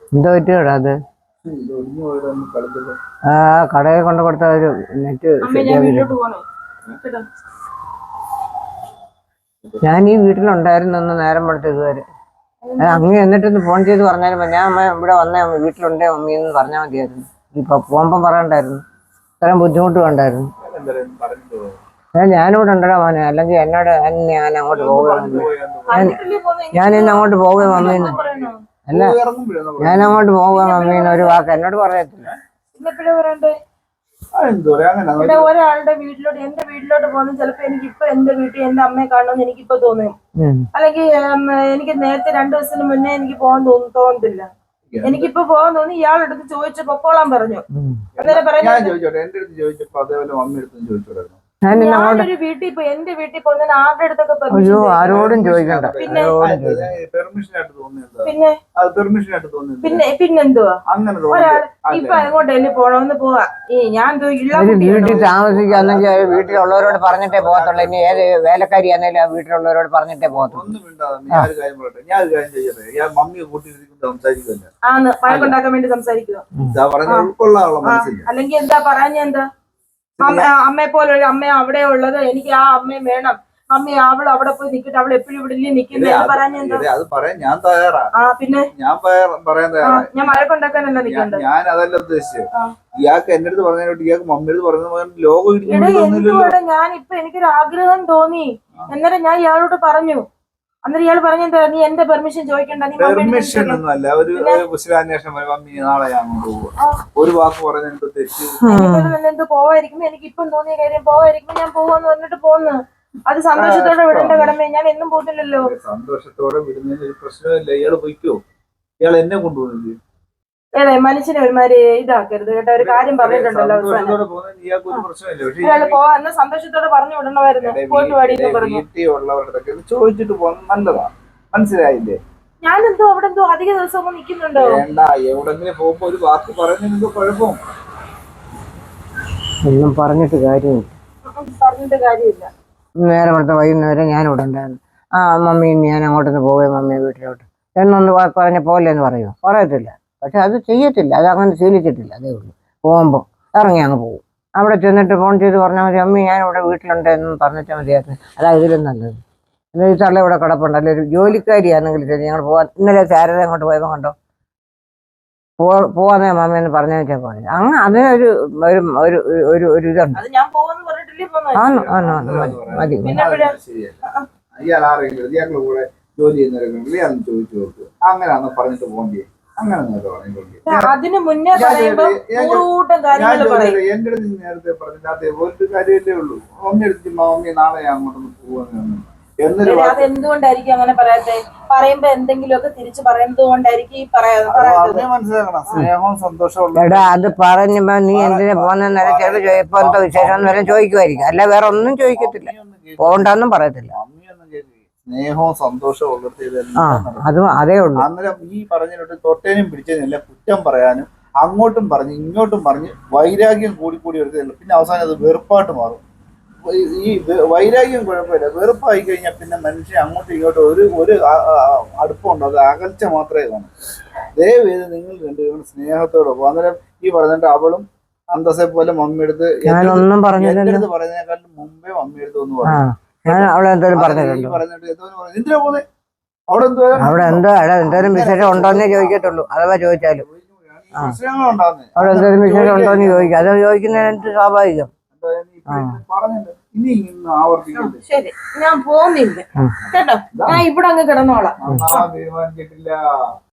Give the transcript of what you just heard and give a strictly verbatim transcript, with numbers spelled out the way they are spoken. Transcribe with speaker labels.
Speaker 1: എന്തോ പറ്റിയോടാ അത്? ആ കടയിൽ കൊണ്ട് കൊടുത്ത ഒരു നെറ്റ് ഞാൻ ഈ വീട്ടിലുണ്ടായിരുന്നു നേരം വെളുത്ത് ഇതുവരെ. അങ്ങ് എന്നിട്ടൊന്ന് ഫോൺ ചെയ്ത് പറഞ്ഞാലും ഞാൻ അമ്മ ഇവിടെ വന്നേ വീട്ടിലുണ്ടേ മമ്മി എന്ന് പറഞ്ഞാൽ മതിയായിരുന്നു. ഇപ്പൊ പോകുമ്പം പറയണ്ടായിരുന്നു, ഇത്രയും ബുദ്ധിമുട്ട് വേണ്ടായിരുന്നു. ഞാനിവിടെ ഉണ്ടടാ മോനെ, അല്ലെങ്കിൽ എന്നോട് ഞാൻ അങ്ങോട്ട് പോവുകയാണ്, ഞാൻ ഇന്ന് അങ്ങോട്ട് പോവുക മമ്മീന്ന്. അല്ല ഞാൻ അങ്ങോട്ട് പോവുക മമ്മീന്ന് ഒരു വാക്ക് എന്നോട് പറയത്തില്ല.
Speaker 2: ഒരാളുടെ വീട്ടിലോട്ട് എന്റെ വീട്ടിലോട്ട് പോകുന്നത് ചിലപ്പോ എനിക്ക് ഇപ്പൊ എന്റെ വീട്ടിൽ എന്റെ അമ്മയെ കാണണമെന്ന് എനിക്കിപ്പോ തോന്നും. അല്ലെങ്കിൽ എനിക്ക് നേരത്തെ രണ്ടു ദിവസത്തിന് മുന്നേ എനിക്ക് പോകാൻ തോന്നും തോന്നത്തില്ല. എനിക്കിപ്പോ പോകാൻ തോന്നി. ഇയാളെടുത്ത് ചോദിച്ചു പൊക്കോളാൻ പറഞ്ഞു. അന്നേരം പറഞ്ഞു ഞാനൊരു വീട്ടിൽ പോയി എന്റെ വീട്ടിൽ പോകുന്നതിന് ആരുടെ അടുത്തൊക്കെ
Speaker 1: ആരോടും ചോദിക്കണ്ട.
Speaker 2: പിന്നെ പിന്നെ പിന്നെന്തുവാ ഒരാൾ ഇപ്പൊ അങ്ങോട്ടല്ലേ പോണമെന്ന് പോവാ. ഈ ഞാൻ
Speaker 1: വീട്ടിൽ താമസിക്കാന്നെങ്കിൽ വീട്ടിലുള്ളവരോട് പറഞ്ഞിട്ടേ പോകത്തുള്ളൂ. ഇനി ഏത് വേലക്കാരിയാന്നേലും ആ വീട്ടിലുള്ളവരോട് പറഞ്ഞിട്ടേ പോകത്തുള്ളൂ.
Speaker 2: ആന്ന് വഴക്കുണ്ടാക്കാൻ വേണ്ടി സംസാരിക്കുക. അല്ലെങ്കിൽ എന്താ പറയാ എന്താ അമ്മയെ പോലെ ഒരു അമ്മ അവിടെ ഉള്ളത്, എനിക്ക് ആ അമ്മയും വേണം. അമ്മ അവൾ അവിടെ പോയി നിൽക്കട്ടെ, അവൾ എപ്പോഴും ഇവിടെ നിൽക്കുന്നത് പറയാൻ ഞാൻ തയ്യാറാ. പിന്നെ ഞാൻ പറയാൻ തയ്യാറാ. ഞാൻ വഴക്കുണ്ടാക്കാനല്ല നിൽക്കണ്ടത്.
Speaker 3: ഞാൻ അതല്ല ഉദ്ദേശിച്ചത്. ഇയാൾക്ക് എന്റെ അടുത്ത് പറഞ്ഞോട്ട് ഇയാൾക്ക് മമ്മിയുടെ പറഞ്ഞ ലോകം
Speaker 2: എന്തുകൂടെ ഞാൻ ഇപ്പൊ എനിക്കൊരു ആഗ്രഹം തോന്നി. അന്നേരം ഞാൻ ഇയാളോട് പറഞ്ഞു. അന്നേരം ഇയാൾ പറഞ്ഞെന്താ, നീ എന്റെ പെർമിഷൻ ചോദിക്കണ്ട.
Speaker 3: പെർമിഷൻ ഒന്നും അല്ല, ഒരു കുശലാന്വേഷണം മമ്മി നാളെ ഞാൻ കൊണ്ടുപോകും ഒരു വാക്ക് പറഞ്ഞെന്തോ തെറ്റ്
Speaker 2: എന്തോ പോവായിരിക്കും. എനിക്ക് ഇപ്പം തോന്നിയ കാര്യം പോവായിരിക്കും, ഞാൻ പോവാന്ന് പറഞ്ഞിട്ട് പോന്നു. അത് സന്തോഷത്തോടെ വിടേണ്ട കടമ. ഞാൻ എന്നും പോകുന്നില്ലല്ലോ.
Speaker 3: സന്തോഷത്തോടെ വിടുന്നതിന് ഒരു പ്രശ്നമില്ല. ഇയാള് പൊയ്ക്കോ, ഇയാൾ എന്നെ കൊണ്ടുപോകുന്നത്
Speaker 2: ഏതെ മനുഷ്യനെ ഒരുമാതിരി ഇതാക്കരുത് കേട്ടോ. ഒരു കാര്യം പറഞ്ഞിട്ടുണ്ടല്ലോ ഇയാള് പോവാ സന്തോഷത്തോടെ പറഞ്ഞു വിടണമായിരുന്നു. പോയിട്ട് പാടിയെന്ന് പറഞ്ഞു.
Speaker 3: ചോദിച്ചിട്ട് പോകുന്നത് നല്ലതാണ്, മനസ്സിലായില്ലേ?
Speaker 2: ഞാനെന്തോ അവിടെ എന്തോ അധിക ദിവസം നിൽക്കുന്നുണ്ടോ?
Speaker 3: വേണ്ട, എവിടെങ്കിലും പോകുമ്പോ ഒരു വാക്ക് പറയുന്നതിന് കുഴപ്പം.
Speaker 1: ഒന്നും പറഞ്ഞിട്ട് കാര്യമില്ല,
Speaker 2: പറഞ്ഞിട്ട് കാര്യമില്ല.
Speaker 1: നേരെ അടുത്ത വൈകുന്നേരം ഞാൻ ഇവിടെ ഉണ്ടായിരുന്നു. ആ മമ്മി ഞാൻ അങ്ങോട്ടൊന്ന് പോവേ മമ്മിയെ വീട്ടിലോട്ട് എന്നൊന്ന് പറഞ്ഞ പോലെ എന്ന് പറയുമോ? പറയത്തില്ല. പക്ഷെ അത് ചെയ്യത്തില്ല, അത് അങ്ങനെ ശീലിച്ചിട്ടില്ല. അതേ ഉള്ളൂ. പോകുമ്പോൾ ഇറങ്ങി അങ്ങ് പോകും. അവിടെ ചെന്നിട്ട് ഫോൺ ചെയ്ത് പറഞ്ഞാൽ മതി, അമ്മി ഞാൻ ഇവിടെ വീട്ടിലുണ്ട് എന്ന് പറഞ്ഞിട്ടാൽ മതിയായിരുന്നു. അതാ ഇതിലും നല്ലത്. എന്നാൽ ഈ തള്ള ഇവിടെ കിടപ്പുണ്ട്, അല്ലെ ഒരു ജോലിക്കാരിയാണെങ്കിൽ ശരി ഞങ്ങൾ പോകാൻ. ഇന്നലെ ശാരദ അങ്ങോട്ട് പോയപ്പോൾ കണ്ടോ, പോ പോവാന്നേ മമ്മയെന്ന് പറഞ്ഞു വെച്ചാൽ പോലെ അങ്ങ് അതിനൊരു ഒരു ഒരു ഒരു ഇതുണ്ട്. ആണോ ആണോ മതി മതി.
Speaker 3: ജോലി ചെയ്യുന്നവരെങ്കിലും ചോദിച്ചു നോക്ക്. അങ്ങനെയാണോ പറഞ്ഞിട്ട് പോകണ്ടേ?
Speaker 2: അതിന് മുന്നേ
Speaker 3: എന്റെ അടുത്ത് നേരത്തെ പറഞ്ഞിട്ട് അതേപോലത്തെ കാര്യമല്ലേ ഉള്ളൂ. മമ്മി എടുത്ത് മമ്മി നാളെ അങ്ങോട്ടൊന്ന് പോവാന്ന്
Speaker 2: അത് എന്തുകൊണ്ടായിരിക്കും അങ്ങനെ പറയാത്തെ? പറയുമ്പോ എന്തെങ്കിലുമൊക്കെ തിരിച്ചു പറയുന്നത് കൊണ്ടായിരിക്കും
Speaker 3: മനസ്സിലാക്കണം. സ്നേഹവും സന്തോഷവും.
Speaker 1: എടാ അത് പറയുമ്പോ നീ എന്തിനാ പോകുന്ന ചിലപ്പോ ഇപ്പൊ എന്താ വിശേഷം എന്ന് ചോദിക്കുമായിരിക്കും, അല്ല വേറെ ഒന്നും ചോദിക്കത്തില്ല. പോകണ്ടെന്നും പറയത്തില്ല.
Speaker 3: സ്നേഹവും സന്തോഷവും ഉള്ളത്
Speaker 1: അതും അതേ ഉള്ളൂ.
Speaker 3: അന്നേരം ഈ പറഞ്ഞിട്ട് തൊട്ടേനും പിടിച്ചതിനല്ല കുറ്റം പറയാനും അങ്ങോട്ടും പറഞ്ഞ് ഇങ്ങോട്ടും പറഞ്ഞ് വൈരാഗ്യം കൂടി കൂടി എടുക്കുന്നില്ല. പിന്നെ അവസാനം അത് വെറുപ്പായിട്ട് മാറും. ഈ വൈരാഗ്യം കുഴപ്പമില്ല, വെറുപ്പായി കഴിഞ്ഞാൽ പിന്നെ മനുഷ്യൻ അങ്ങോട്ടും ഇങ്ങോട്ടും ഒരു ഒരു അടുപ്പമുണ്ടോ, അത് അകൽച്ച മാത്രമേ കാണൂ. ദയവേത് നിങ്ങൾ രണ്ടുപേരും സ്നേഹത്തോടെ പോകും. അന്നേരം ഈ പറഞ്ഞിട്ട് അവളും അന്തസ്സെ പോലെ മമ്മിയെടുത്ത്
Speaker 1: ഞാനൊന്നും
Speaker 3: പറഞ്ഞിട്ട് പറയുന്നതിനേക്കാളും മുമ്പേ മമ്മിയെടുത്ത് ഒന്ന് പറഞ്ഞു.
Speaker 1: ഞാൻ അവളെ എന്തോലും പറഞ്ഞിട്ടുണ്ടോ? അവിടെ എന്തോ എന്തോലും വിശേഷം ഉണ്ടോന്നേ ചോദിക്കത്തുള്ളൂ. അഥവാ ചോദിച്ചാലും അവിടെ എന്തോലും വിശേഷം ഉണ്ടോന്ന് ചോദിക്കും. അത് ചോദിക്കുന്നതിനകത്ത് സ്വാഭാവികം.
Speaker 2: ശരി, ഞാൻ പോകുന്നില്ല കേട്ടോ. ഞാൻ ഇവിടെ അങ്ങ് കിടന്നോളാം.
Speaker 3: തീരുമാനിച്ചിട്ടില്ല.